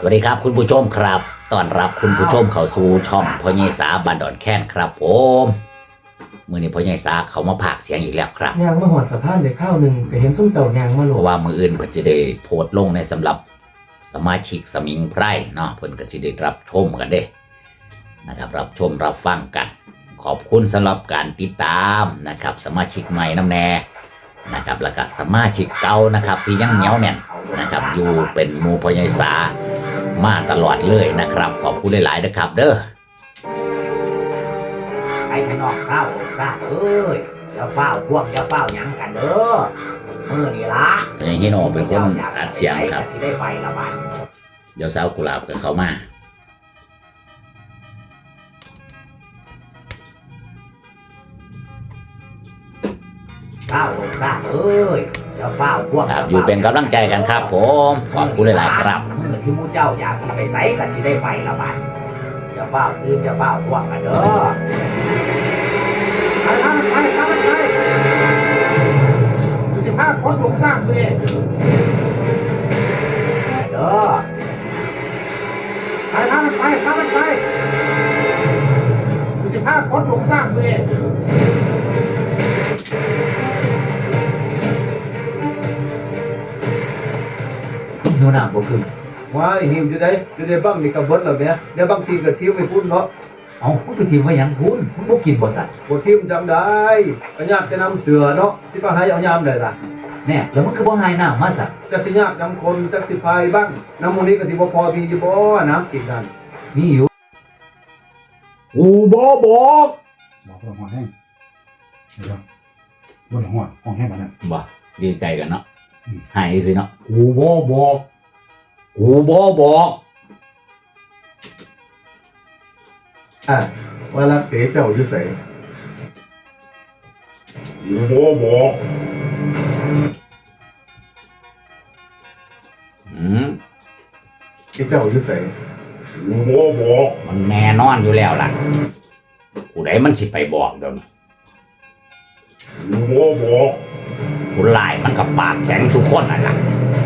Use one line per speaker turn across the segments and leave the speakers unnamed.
วัสดีครับคุณผู้ชมครับต้อนรับคุณผู้ชมเข้าสู่ช่องพ่อใหญ่สาบ้านดอนแค้นครับผมมื้อนี้พ่อใหญ่สาเขามาพากย์เสียงอีกแล้วครับ
ยางมาหอดสะพานได้ข้าวหนึ่งก็เห็นส้มเจ้ายางมาโหล
เพราะว่ามื้ออื่นเพิ่นจะได้โพสต์ลงในสำหรับสมาชิกสมิงไพรเนาะเพิ่นก็สิได้รับชมกันเด้นะครับรับชมรับฟังกัน ขอบคุณสำหรับการติดตามนะครับสมาชิกใหม่น้ำแน่นะครับแล้วก็สมาชิกเก่านะครับที่ยังเหนียวแน่นนะครับอยู่เป็นหมู่พ่อใหญ่สามาตลอดเลยนะครับขอบคุณหลายๆนะครับเด้อ
ไอ้พี่น้องเศร้าเอ้ยอย่าเฝ้าพวกอย่าเฝ้าหยังกันเด้อมื้อนี้ล่ะ
พ่อใหญ่ฮิโนเป็นคนอัดเสียงครับ
สิได้ไปละบัด
เดี๋ยวสาวกุหลาบกับเขามา
เฝ้าเอ้ยอย่าเฝ้าพวก
ครับอยู่เป็นกำลังใจกันครับผมขอบคุณหลายๆครับ
มื้อที่หมู่เจ้าอยากสิไปไสก็สิได้ไปละบัดอย่าเฝ้าตื่นอย่าเฝ้าพวกกันเด้อไปดูสิภาพพดลงสร้างเลยเด้อไปดูสิภาพพดลงสร้างเลย
นูน่าบ่ขึ้น
ว่าไอ้หิวอยู่ได้บ้างนี่กับเบิดแล้วเนี่ยเดี๋ยวบางทีก็ทิ้วไปพุ่นเนาะ
เอาคุณไปทีมไว้ยังคุณบ่กินบ่สัตว์
บ่ทิ้วจำได้ก็ยากจะนำเสือเนาะที่ป้าให้เอายามได้ล่ะ
แน่แล้วมันคือบ่หายน้ำมาสัตว์
จะสิยากนำคนจักสิพายบ้างน้ำมูนี้ก็สิบ่พอมีอยู่บ่น้ำกินนั่น
มีอยู่
กูบ่บอก
บอกเพื่อห้องแห้งเดี๋ยวบนห้องแห้งแบบนั้น
บ่ดีใจกันเนาะหายสิเนาะ
กูบ่บอก
กูบ่บอก
ว่ารักเสเจ้าอยู่ไส
กูบ่บอก
ที่เจ้าอยู่ไส
กูบ่บอก
มันแน่นอนอยู่แล้วล่ะผู้ใดมันสิไปบอกเดี๋ยวนี้
กูบ่บอก
ผู้ลายมันก็ปากแข็งทุกคนนั่นล่ะ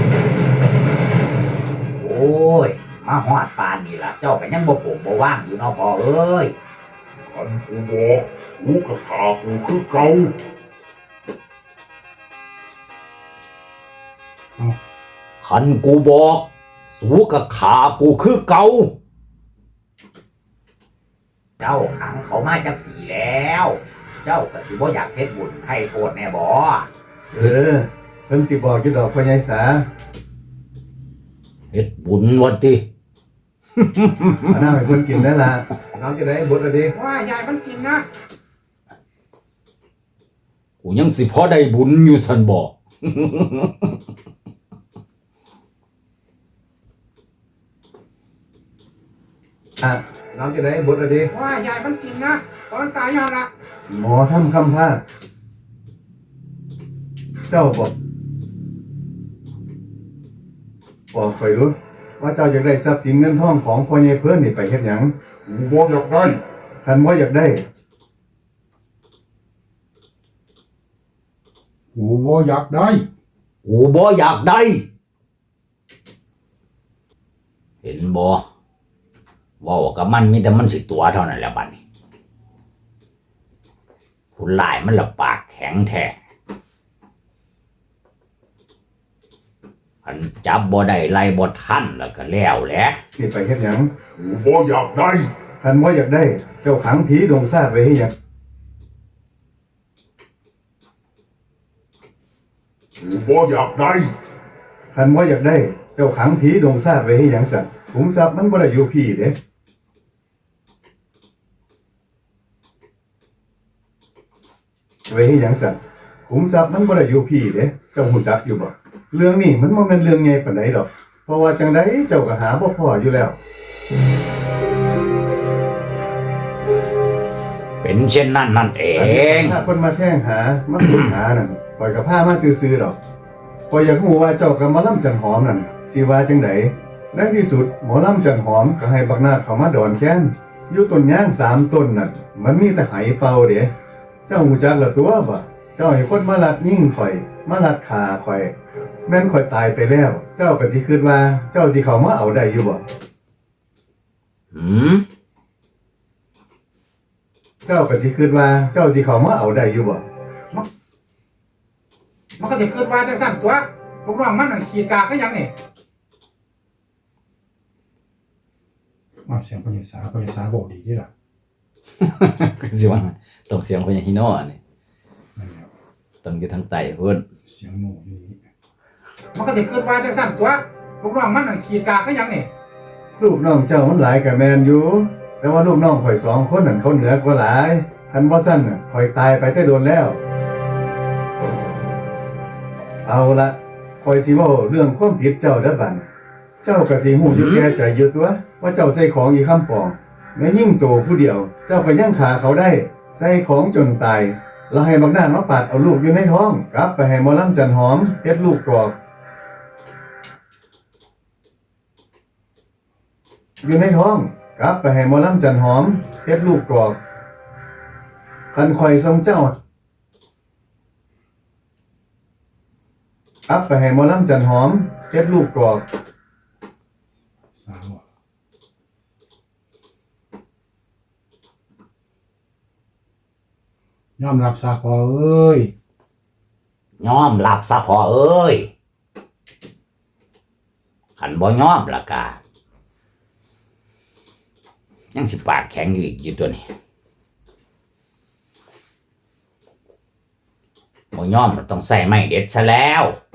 โอ้ยมาฮอดปานนี่ล่ะเจ้าก็ยังบ่ปลูกบ่ว่างอยู่เนาะพ่อเอ้ย
คันกูบอกกูกับขากูคือเก่า
คันกูบอกสู้กับขากูคือเก่า
เจ้าขังเขามาจักปีแล้ว เจ้าก็สิบ่อยากเฮ็ดบุญให้โทษแน่บ่
เพิ่นสิบอกอยู่ดอกพ่อใหญ่สา
เฮ็ดบุญวันที่
เอาน้ำให้เพิ่นกินได้ล่ะน้ำจะได้บดละดิ
ว่ายายมันกินนะ
กูยังสิพอได้บุญอยู่สันบอก
น้ำจะได้บดละดิ
ว่ายายมันกินนะตอนตายย้อนละ
หมอทำคำพาดเจ้าบอกไปรู้ว่าเจ้าอยากได้ทรัพย์สินเงินทองของพ่อใหญ่เพิ่นนี่ไปเฮ็ดหยัง
กูบ่อยากได้
คันว่าอยากได้
กูบ่อยากได้
กูบ่อยากได้ เห็นบ่เว้ากับมันมีแต่มันสิตัวเท่านั้นแหละบัดนี้ผู้ลายมันละปากแข็งแท้คันจับบ่ได้ไล่บ่ทันแล้วก็แล้วแหละ
นี่ไปเฮ็ดหยัง
กูบ่อยากได้
คันว่าอยากได้ เจ้าขังผีดงซาดไว้ให้หยัง
กูบ่อยากได้
คันว่าอยากได้ เจ้าขังผีดงซาดไว้ให้หยังสั่นขุมทรัพย์มันบ่ได้อยู่พี่เด้ไว้ให้หยังสั่นขุมทรัพย์มันบ่ได้อยู่พี่เด้เจ้าฮู้จักอยู่บ่เรื่องนี้มันบ่แม่นเรื่องใหญ่ปานใดดอก เพราะว่าจังไดเจ้าก็หาบ่พออยู่แล้ว
เป็นเช่นนั้นนั่นเอง
ถ้าคนมาแท่งหามาขุดหานั่นปล่อยกับผ้ามาซื่อๆดอกปล่อยอยากรู้ว่าเจ้ากับหมอลำจันหอมนั่นสิว่าจังไดในที่สุดหมอลำจันหอมก็ให้บักนาดเข้ามาดอนแค้นอยู่ต้นย่าง3ต้นนั่นมันมีแต่ไหเป่าเด้เจ้าฮู้จักละตัวบ่เจ้าจ้าให้คนมาลัดยิ่งข่อยมาลัดขาข่อยแม่นข่อยตายไปแล้ว เจ้าก็สิคิดว่าเจ้าสิเข้ามาเอาได้อยู่บ่
หืม
เจ้าก็สิคิดว่าเจ้าสิเข้ามาเอาได้อยู่บ่
มันก็สิคิดว่าจังซั่นตัวลูกน้องมันน่ะขี้กากก็ยังนี่ว่าเสียงพญาสาบอกดีเด้ล่ะ
สิว่าต้องเสียงคนอย่างฮิโน่นี่
นั่นแหละ
ต้องอยู่ทางใต้พุ่น
เสียงหนูอยู่นี่มันก็สิคิดว่าจังซั่นตัวลูกน้องมันน่ะขี้กากก็ยังนี่
ลูกน้องเจ้ามันหลายก็แม่นอยู่แต่ว่าลูกน้องข่อย2คนนั่นเขาเหนือกว่าหลายคันบ่ซั่นน่ะข่อยตายไปแต่โดนแล้ว เอาละข่อยสิเว้าเรื่องความผิดเจ้าเด้อบัดเจ้าก็สิฮู้อยู่แก่ใจอยู่ตัวว่าเจ้าใส่ของอีคำปองแม้ยิ่งโตผู้เดียว เจ้าก็ยังขาเขาได้ใส่ของจนตายแล้วให้บักนานมาปาดเอาลูกอยู่ในท้องกลับไปให้หมอลำจันหอมเฮ็ดลูกกรอกอยู่ในท้องกลับไปให้หมอลำจันหอมเฮ็ดลูกกรอกคันข่อยทรงเจ้ากลับไปให้หมอลำจันหอมเฮ็ดลูกกรอก
สาวอะยอมรับซะพอเอ้ย
ยอมรับซะพอเอ้ยคันบ่ยอมละกายังสิปากแข็งอยู่อีกอยู่ตัวนี้บ่ยอมมันต้องใส่ไม้เด็ดซะแล้ว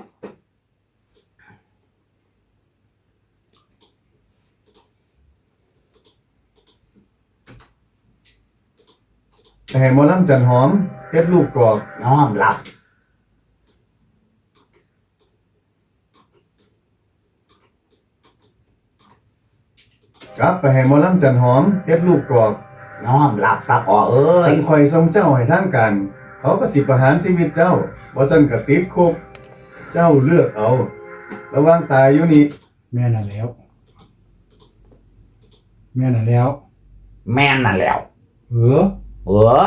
ไปให้หมอลำจันหอมเฮ็ดลูกกรอก
ยอมรับ
กลับไปให้หมอลำจันหอมเฮ็ดลูกกรอก
ยอมรับซะพอเอ้ย
คันข่อยทรงเจ้าให้ทางการเขาก็สิประหารชีวิตเจ้าบ่ซั่นก็ติดคุกเจ้าเลือกเอา ระหว่างตายอยู่นี่
แม่น่ะแล้ว แม่น่ะแล้ว
แม่นนั่นแล้ว
เออ
เออ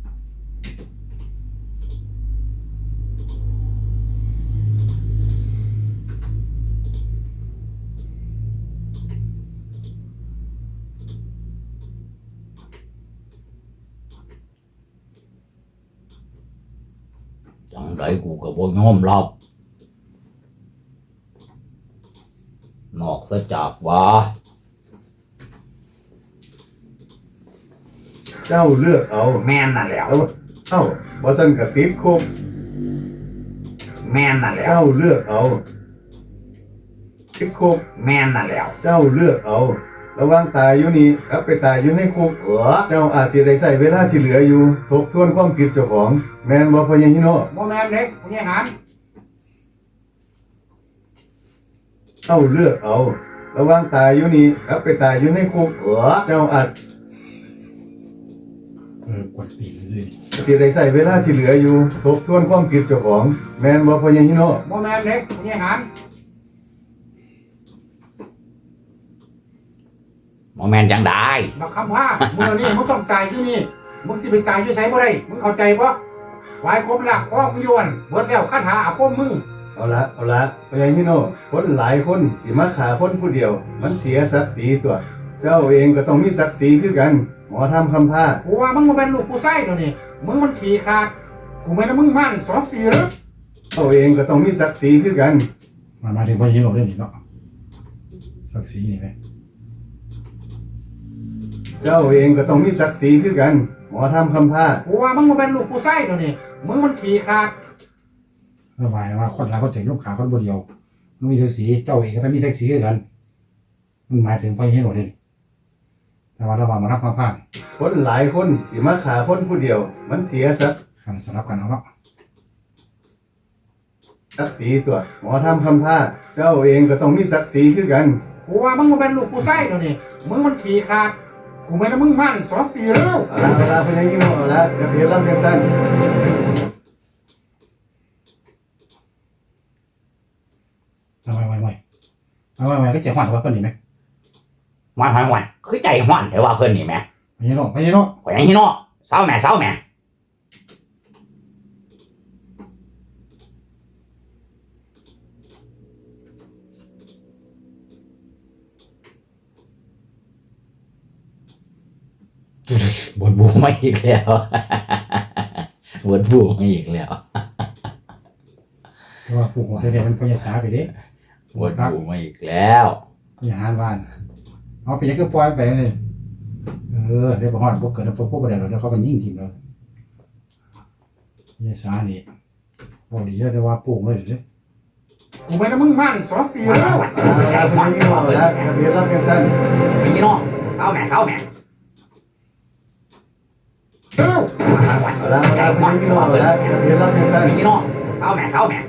จังไดกูก็บ่ยอมรับนอกซะจากว่า
เจ้าเลือกเอา
แม่นนั่นแล้ว
เอ้าบ่ซั่นก็ติดคุก
แม่นนั่นแล้ว
เจ้าเลือกเอาติดคุก
แม่นนั่นแล้ว
เจ้าเลือกเอา ระหว่างตายอยู่นี่กับไปตายอยู่ในคุก
เออ
เจ้าอาจสิได้ใช้เวลาที่เหลืออยู่ทบทวนความผิดเจ้าของ แม่นบ่พ่อใหญ่ฮิโน
บ่แม่นเด็กพญาหาร
เจ้าเลือกเอา ระหว่างตายอยู่นี่กับไปตายอยู่ในคุก
เออ
เจ้าอาจ
กดตีนสิ
สิได้ใช้เวลาที่เหลืออยู่ทบทวนความผิดเจ้าของ แม่นบ่พ่อใหญ่ฮิโน
บ่แม่นเด็กพญาหาร
บ่แม่นจังได้
บักคำว่ามื้อนี้มึงต้องตายอยู่นี่มึงสิไปตายอยู่ไสบ่ได้มึงเข้าใจบ่วายคมละข้อมึงย้วนเบิดแล้วคาถาอาคมมึง
เอาละพ่อใหญ่ฮิโนคนหลายคนสิมาฆ่าคนผู้เดียว มันเสียศักดิ์ศรีตัว เจ้าเองก็ต้องมีศักดิ์ศรีคือกัน หมอทำคำพา
กูว่ามึงบ่เป็นลูกผู้ชายเดี๋ยวนี้มึงมันขี้ขาดกูไม่ได้มึงมานี่2 ปีแล้ว
เจ้าเองก็ต้องมีศักดิ์ศรีคือกัน
มาถึงพญาโนเรื่องนี้เนาะศักดิ์ศรีนี่แหละ
เจ้าเองก็ต้องมีศักดิ์ศรีคือกัน หมอทำคำพา
กูว่ามึงบ่เป็นลูกผู้ชายเดี๋ยวนี้มึงมันขี้ขาดหมายว่าคนหลายคนเสียลูกขาคนบ่เดียวมึงมีศักดิ์ศรีเจ้าเองก็ต้องมีศักดิ์ศรีคือกันมึงหมายถึงพญาโนเรื่องนี้แต่ว่าระหว่างมารับความพลาด
คนหลายคนสิมาฆ่าคนผู้เดียว มันเสียศักดิ์
กันสลับกันเอาเนาะ
ศรีตัว หมอทำคำพา เจ้าเองก็ต้องมีศักดิ์ศรีคือกัน
กูว่ามึงบ่เป็นลูกผู้ชายเดี๋ยวนี้มึงมันขี้ขาดกูไม่ได้มึงมานี่2 ปีแล้ว
เอาละพ่อใหญ่ฮิโนเอาละอย่าเพียรลำเพียรสั้น
ไม่ก็จะหวานว่าเพิ่นนี่ไหม
วันคือใจฮ้อนแต่ว่าเพิ่นนี่แหม
พญาโน
ข่อยยังฮิโน่เศร้าแหม่บนบูมาอีกแล้ว บนบูมาอีกแล้ว
เพราะว่าปู่โหดแท้ๆมันพยาสาไปเด้
บนบูมาอีกแล้ว
อย่าหานว่านเอาไปยังก็ปล่อยไปเดี๋ยวบ่ฮอดบ่เกิดน้ำตกพวกบ่ได้หรอกเดี๋ยวเขาก็ยิงทีมเราพยาสานี่บ่ดีแต่ว่าปู่เลยเด้กูไม่ได้มึงมานี่2 ปีแล้ว
เอาละพญาฮิโนเอาละทะเบียนรับจังซั่น
พี่น้องเข้าแม่เข้าแม่
เอ้า
เอาละพญาฮิโนเอาละทะเบียนรับจังซั่น
พี่น้องเข้าแม่เข้าแม่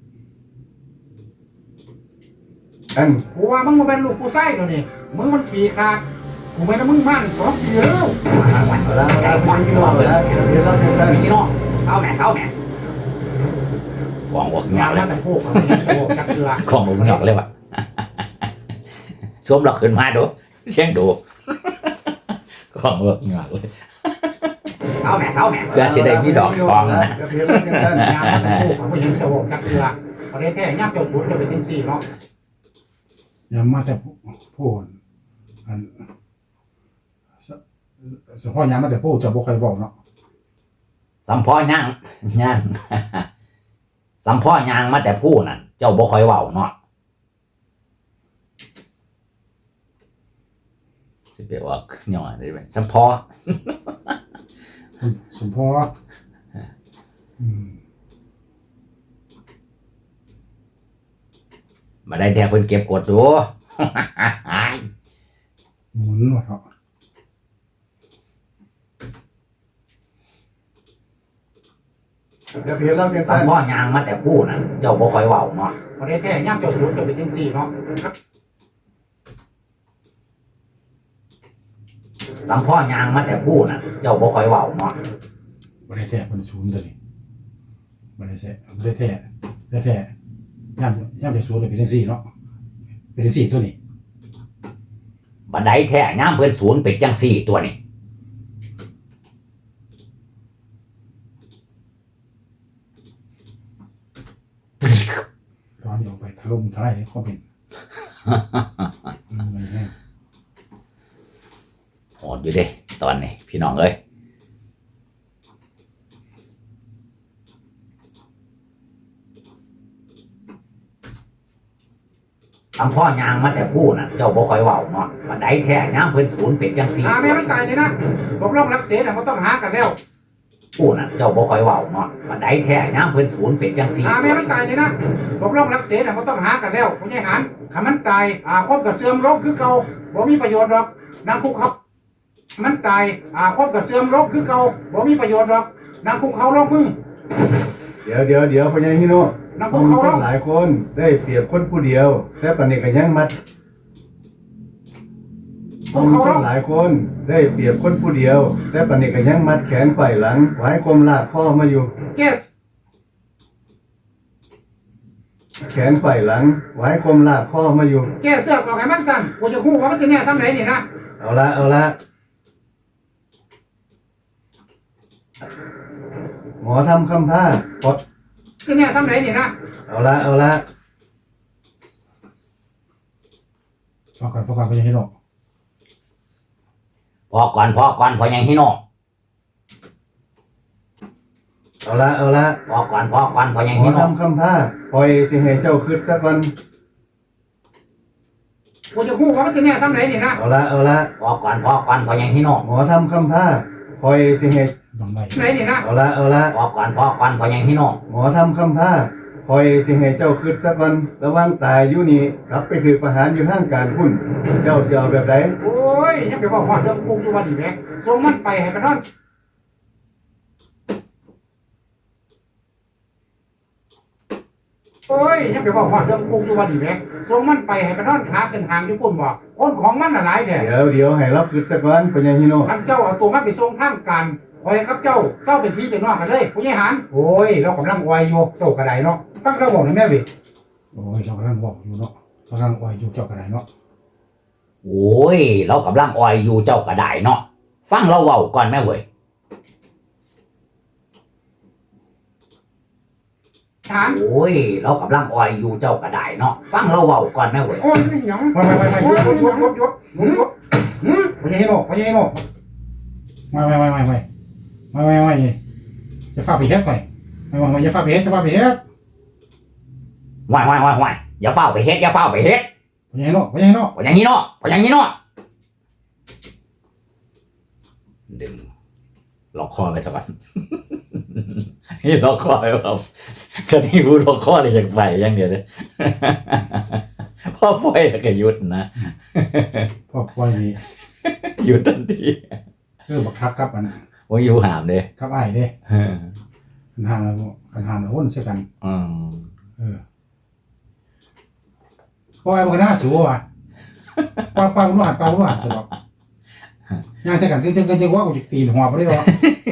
อัน
กูว่ามึงบ่เป็นลูกผู้ชายเดี๋ยวนี้มึงมันขี้ขาดกูไม่ได้มึงมานี่2 ปีแล้ว
เอาละพญาฮิโนเอาละทะเบียนรับจังซั่น
พี่น้องเข้าแม่เข้าแม่
กองอกหย
ยา
อก
ว
เล
แล้ว
ย
แต่พวกมันยังโตจักเดือก
องอกหยอกเลยว่ะ สวมหลอกขึ้นมาดูเชียงดูกองอกหยอกเลย
เข้าแม่เข้าแม่
เพื่อจะได้มีดอกทองนะ
ทะเบียนรับจังซั่น
ยาวแล้วแต่พวกมันยังโตจักเดือกประเทศแท้ย่ำเจ้าสูตรจะเป็นจังซี่เนาะยามมาแต่พูดอันเฉพาะยามมาแต่พูดจะบ่ค่อยบอกเนาะ
สัมพ่อย่างย่าง สัมพ่อย่างมาแต่ผู้นั่นเจ้าบ่ค่อยเว้าเนาะสิไปว่าย่อได้ไหมสัมพ่อ
สมพออืม
มาได้แท้เพิ่นเก็บกดดู
หมุนหมดเนาะ
ทะเบียนรับจัง
สั
ซั่
ม
น
พ่อยางมาแต่ผู้น่ะเจ้าบ่ค่อยเว้าเนาะ
ประเทศแท้ย่ำเจ้าสูตรจะเป็นจังซี่เนาะ
สัมพ่อยางมาแต่ผู้น่ะเจ้าบ่ค่อยเว้าเนาะ
ประเทศแท้เป็นศูนย์ตัวนี้ประเทศแท้ประเทศแท้ประเทศแท้ย่ำเจ้าสูตรจะเป็นจังซี่เนาะเป็นจังซี่ตัวนี้
บันไดแท้ย่ามเพิ่นศูนย์เป็นจังซี่ตัวนี้
ตอนนี้ออกไปถล่มทลายคอมเมนต์ไม่แห้ง
โหดอยู่เด้ตอนนี้พี่น้องเอ้ย
สัมพ่อยางมาแต่ผู้น่ะเจ้าบ่ค่อยเว้าเนาะบันไดแท้ยามเพิ่นศูนย์เป็นจังซี่
แม่มันตายเลยนะตกลงรักเสียน่ะมันต้องหากันแล้ว
ผู้น่ะเจ้าบ่ค่อยเว้าเนาะบันไดแท้ยามเพิ่นศูนย์เป็นจังซี่
แม่มันตายเลยนะตกลงรักเสียน่ะมันต้องหากันแล้วผู้ใหญ่หันถ้ามันตายคนก็เสื่อมลงคือเก่าบ่มีประโยชน์หรอกนางคุกเขามันตายคนก็เสื่อมลงคือเก่าบ่มีประโยชน์หรอกนางคุกเขาลงมึง
เดี๋ยวพญาฮิโน
นาง
ค
คุก
น
เขาลง
หลายคนได้เปรียบคนผู้เดียว แต่ปานนี้ก็ยังมัดคนหลายคนได้เปรียบคนผู้เดียว แต่ปานนี้ก็ยังมัดแขนไขว่หลังไว้คมลากข้อมาอยู่
แก้
แขนไขว่หลังไว้คมลากข้อมาอยู่
แก้เสื้อออกให้มันสั่นกูจะฮู้ว่ามันสิแน่ซ้ำไหนนี่นะ
เอาละหมอทำคำผ้าปด
สิแน่ซ้ำไหนนี่นะ
เอาละ
ฟังก่อนไปยังให้หนอก
พอก่อนพอยังฮิโน
เอาละ
พอก่อนพอยัง
หมอ
ฮิโน
ทำคำผ้าปล่อยสิให้เจ้าคืดสักวัน
กูจะฮู้ว่ามันสิแน่ซ้ำไหนนี่นะ
เอาละ
พอก่อนพอยังฮิโน
หมอทำคำผ้าปล่อยสิให้
ต้องไหนไหนนี่นะ
เอาละ
พอก่อนพอยังฮิโน
หมอทำคำผ้าคอยสิให้เจ้าคืดสักวันระวังตายอยู่นี่กลับไปถือประหารอยู่ทางการพุ่นเจ้าเสียเอาแบบใด
โอ้ยยังไปว่าฮอดเรื่องคุกอยู่ว่าดีแม่ส่งมันไปให้มันนอนโอ้ยยังไปว่าฮอดเรื่องคุกอยู่ว่าดีแม่ส่งมันไปให้มันนอนขาขึ้นหางอยู่ปุ่นบ่คนของมันน่ะหลายแท้
เดี๋ยวให้รับคืดสักวันพญาฮิโน
ท่านเจ้าเอาตัวมันไปส่งทางการคอยครับเจ้าเศร้าเป็นพี่เป็นน้องกันเลยผู้ใหญ่หันโอ้ยเรากำลังวายอยู่เจ้ากระไดเนาะฟังเราบอกหน่อยแม่เวิโอ้ยเรากำลังบอกอยู่เนาะกำลังวายอยู่เจ้ากระไดเนาะ
โอ้ยเรากำลังออยอยู่เจ้าก็ได้เนาะฟังเราเว้าก่อนแม่เว้ย
หัน
โอ้ยเรากำลังออยอยู่เจ้าก็ได้เนาะฟังเราเว้าก่อนแม่เว้ย
โอ้ยไม่หยังไปหยุดผู้ใหญ่โน่ไม่จะฟาไปเฮ็ดไปไม่จะฟาไปเฮ็ด
ว่ายอย่าเฝ้าไปเฮ็ด
ไปยังไงเนาะ
พออย่างนี้เนาะดึงล็อกคอไปสักวัน นี่ล็อกคอไปครับก็นี่พูดล็อกคอเลยจากไฟอย่างเดียวเลย พ่อปล่อยแล้วก็หยุดนะ
พ่อปล่อยนี่
หยุดทันที
บักทักกับมัน
ว่าอยู่หามเด้
กับอ้ายเด้คันหามแล้ววนเสียกันปล่อยมันก็น่าสูว่ะป้ารู้หันสำหรับย่างเสียกันจึงว่ากูจะตีหัวไปได้หรอ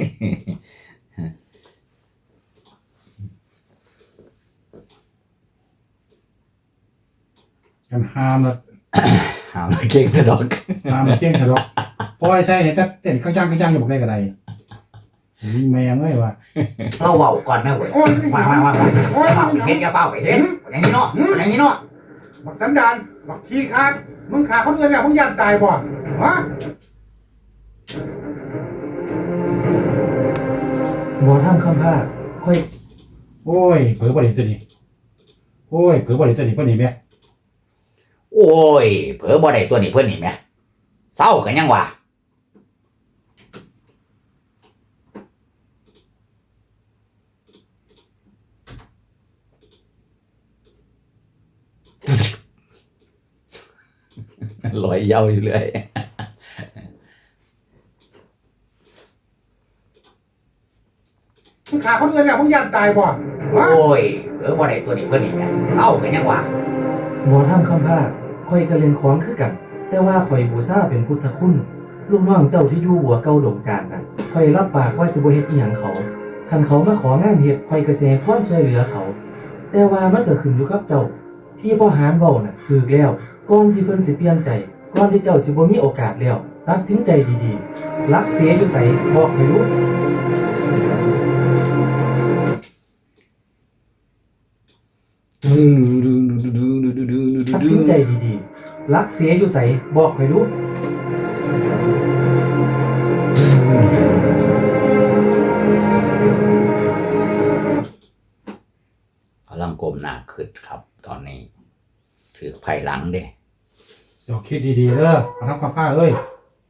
กันหามแล้ว
หามเก่งแต่ดอก
ปล่อยใส่เนี่ยเต้นข้างจ้างอยู่บอกได้กับใดมีแมงเลยว่ะ
เราเว้าก่อนนะเว้ยว่าเฝ้าไปเฮ็ดอย่าเฝ้าไปเฮ็ดอย่างนี้เนาะ
บักสันดานบักขี้ขาดมึงขาคนอื่นเนี่ยมึงยันตายบ่ฮะ
หมอทำคำพาค่อย
โอ้ยเผลอบ่ได้ตัวนี้เพิ่นนี่แม่
โอ้ยเผลอบ่ได้ตัวนี้เพิ่นนี่แหมเศร้ากันยังวะลอยเย้าอยู่เลย
มึงขาคนอื่นเนี่ยมึงยันตายบ่
โอ้ยเผลอบ่ได้ตัวนี้เพิ่นนี่แหมเศร้ากันยังวะ
หมอทำคำพาค่อยก็เรียนของคือกัน แต่ว่าข่อยบูชาเป็นพุทธคุณลูกน้องเจ้าที่อยู่บัวเก่าดงจานน่ะข่อยรับปากว่าสิบ่เฮ็ดอีหยังเขาคันเขามาของานเฮ็ดข่อยก็สิให้ความช่วยเหลือเขา แต่ว่ามันก็ขึ้นอยู่กับเจ้าที่พ่อหารเว้าน่ะถูกแล้วก่อนที่เพิ่นสิเปลี่ยนใจก่อนที่เจ้าสิบ่มีโอกาสแล้วตัดสินใจดีๆรักเสียอยู่ไสบอกให้รู้ตัดสินใจดีๆรักเสียอยู่ไสบอกให้รู้
กำลังก้มหน้าขึ้นครับ ตอนนี้ถือไผ่หลังเด้
เจ้าคิดดีๆเด้อมาทำกับผ้าเอ้ย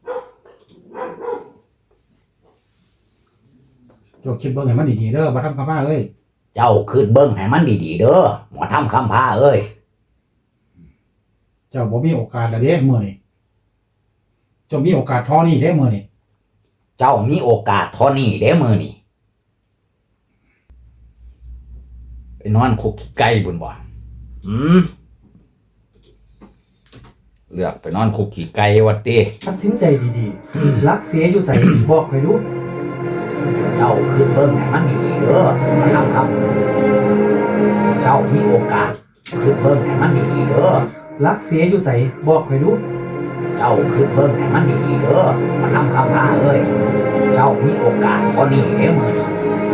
เจ้าคิดเบิ่งให้มันดีๆเด้อมาทำกับผ้าเอ้ย
เจ้าคืดเบิ้งให้มันดีๆเด้อหมอทำคำพาเอ้ย
เจ้าบ่มีโอกาสแล้วเด้มื้อนี้เจ้ามีโอกาสเท่อนี้เด้มื้อนี้
เจ้ามีโอกาสเท่านี้เด้มือนี่ไปนอนคุกขี้ไก่บุญบ่เลือกไปนอนคุกขี้ไก่วัดติ
ตัดสินใจดีๆ รักเสียอยู่ใส่ บอกให้รู้
เจ้าคืนเบิ่งให้มันดีๆเด้อมาทำครับเจ้ามีโอกาสคืนเบิ่งให้มันดีๆเด้อ
รักเสียอยู่ใส่ บอกให้รู้
เจ้าคืนเบิ่งให้มันดีๆเด้อมาทำคำพาเอ้ยเจ้ามีโอกาสพอนี้เด้อมื้อนี้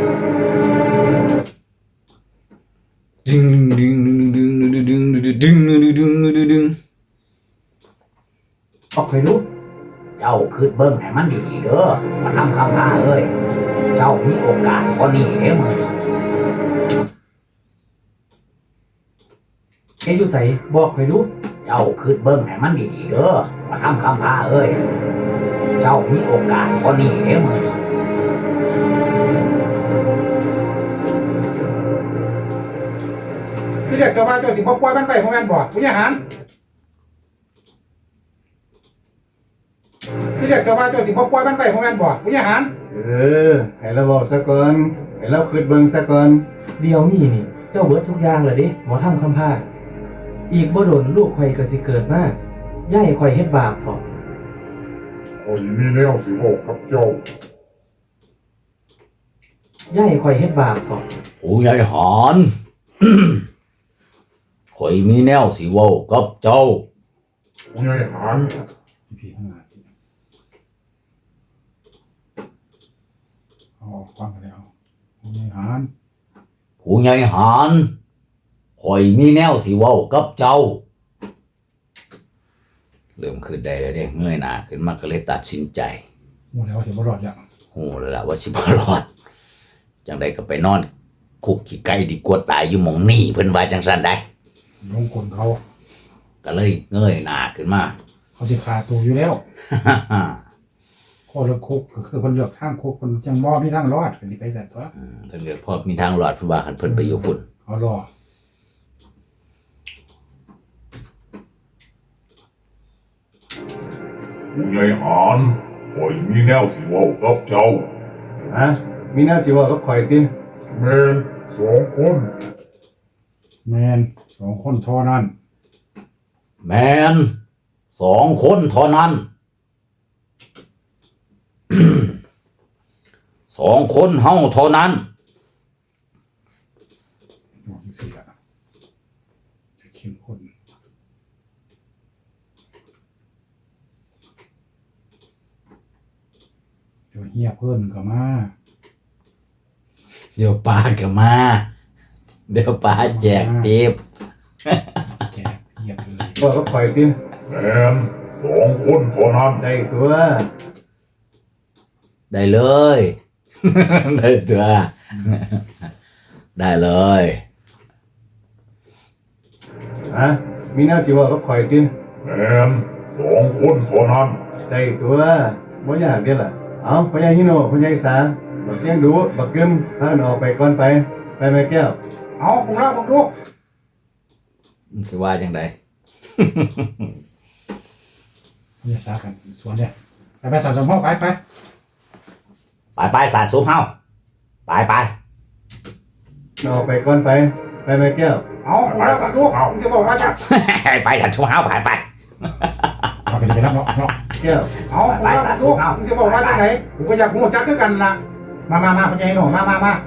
ดึงดึงดึงดึงดึงดึงดึงดึงดึงดึง
บอกให้รู้
เจ้าคืนเบิ่งให้มันดีๆเด้อมาทำคำพาเอ้ยเจ้ามีโอกาสพอนี้เด้อมื้อนี้
เสียอยู่ใส่ บอกให้รู้
เจ้าคืนเบิ่งให้มันดีๆเด้อมาทำคำพาเอ้ยเจ้ามีโอกาสพอนี้เด้อมื้อนี้
ที่เรียกเจ้าว่าเจ้าสิบ่ปล่อยมันไปของแม่นบ่ผู้ใหญ่หารที่เรียกเจ้าว่าเจ้าสิบ่ปล่อยมันไปของแม่นบ่ผู้ใหญ่หาร
ให้เราบอกซะก่อนให้เราคิดเบิ่งซะก่อน
เดี๋ยวนี้นี่ เจ้าเบิดทุกอย่างเลยเด้หมอทำคำพาอีกบ่โดนลูกข่อยก็สิเกิดมาย่ายข่อยเฮ็ดบาปเถาะ
ข่อยมีแนวสิบอกกับเจ้า
ย่ายข่อยเฮ็ดบาปเถาะ
ผู้ใหญ่หอน ข่อยมีแนวสิเว้ากับเจ้า
ผู้ใหญ่หาร
พี่ทั้งหลายเอาออกฟังกันแล้วผู้ใหญ่หาร
ผู้ใหญ่หานข่อยมีแนวสิเว้ากับเจ้า เริ่มขึ้นได้แล้วเด้เงยหน้าขึ้นมาก็เลยตัดสินใจ
หูแล้วว่าสิบ่รอดอย่าง
โหแล้วล่ะว่าสิบ่รอดจังใดก็ไปนอนคุกขี้ไก่ดีกว่าตายอยู่หม่องนี้เพิ่นว่าจังซั่นได้
ลงกลเขา
ก็เลยเงยหน้าขึ้นมา
เขาสิขาตัวอยู่แล้วข้อเลือกคุกก็คือคนเลือกทางคุกคนจังบ่มีทางรอดก็สิไปใส่ตัว
เพิ่นก็พอมีทางรอดเพิ่นว่าคันเพิ่นไปอยู่พุ่น
เขารอ
ผู้ใหญ่หานข่อยมีแนวสิเว้ากับเจ้า
ฮะมีแนวสิเว้ากับข่อยติ
แม่นสองคน
แมน2 คนเท่านั้น
แม่น2 คนเท่านั้น 2 คนเฮาเท่านั้น
บอกจังซี่ล่ะจะเข้มข้นเดี๋ยวเฮียเพิ่นก็มา
เดี๋ยวปลาก็มา เดี๋ยวปลาแจกเต็บ
แจกเฮียเลย
เว้ากับข่อยติ
แม่น2 คนเท่านั้น
ได้ตัว
ได้เลย ได้ตัว ได้เลย
ฮะมีแนวสิเว้ากับข่อยติ
แม่น2 คนเท่านั้น
ได้ตัวบ่ยากเด้ล่ะเอาพ่อใหญ่ฮิโนพ่อใหญ่สาบักเสียงดูบักกึมพากันออกไปก่อนไปแม่แก้ว
เอาผมเล่าผมดู
มันคือว่าจังได
อย่าสากันสวนเนี่ยไปสะสมห้องไป
ไปสาดซุปเฮาไป
ออกไปก่อนไปแม่แก้ว
เอาผมเล่าผมดูมึงจะบอกว่าจะ
ไปสาดซุปเฮาไป
เอาไปจะไปรับเนาะ
แก้ว
เอาผมเล่าผมดูมึงจะบอกว่าจะไหนผมก็อยากหูจักคือกันล่ะมาพญายหนูมา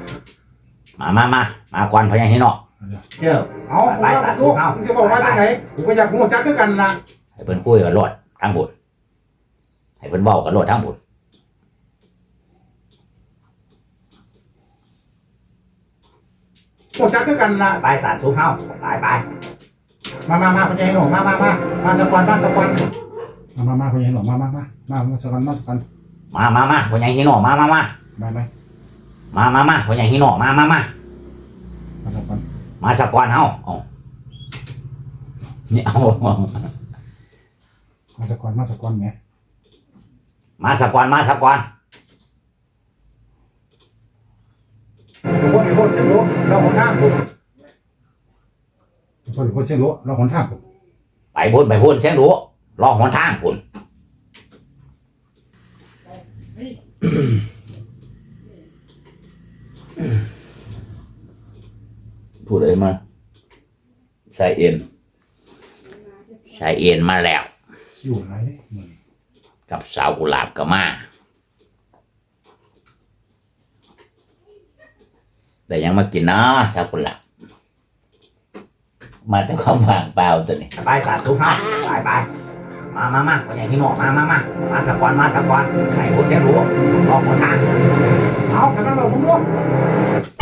มาก่อนพญาฮิโนะ
แก้ว
เอาผมเล่าผมดูมึงจะบอกว่าจะไหนผมก็อยากหูจักคือกันล่ะ
ให้เพิ่นคุยกับโลดทางบุญให้เพิ่นเว้ากับโลดทางบุญ
หูจักคือกันล่ะ
ไปสาดซุปเฮาไป
มาพญายหนูมาสกอนมาพญายหนูมาสกอน
มาพญาฮิโนะมาพญาฮิโนะมาสกอนเฮาเอานี่เอา
มาสกอนไง
มาสกอน
ทุกคนเชื่อรู้เราหนทางผมทุกคนเชื่อรู้เราหนทางผม
ไปพุ่นเสียงดูรอหนทางพุ่น พูดอะไรมาชายเอ็นมาแล้ว
คิวไรมือ
กับสาวกุหลาบก็มาแต่ยังมากินนะสาวกุหลาบมาแต่ความว่างเปล่าตัวนี้ไปสาธุครับไปมาคนใหญ่ที่หมอมาสกอนใครพูดเสียงรู้รอหนทาง
เอาไปกันเราผมดู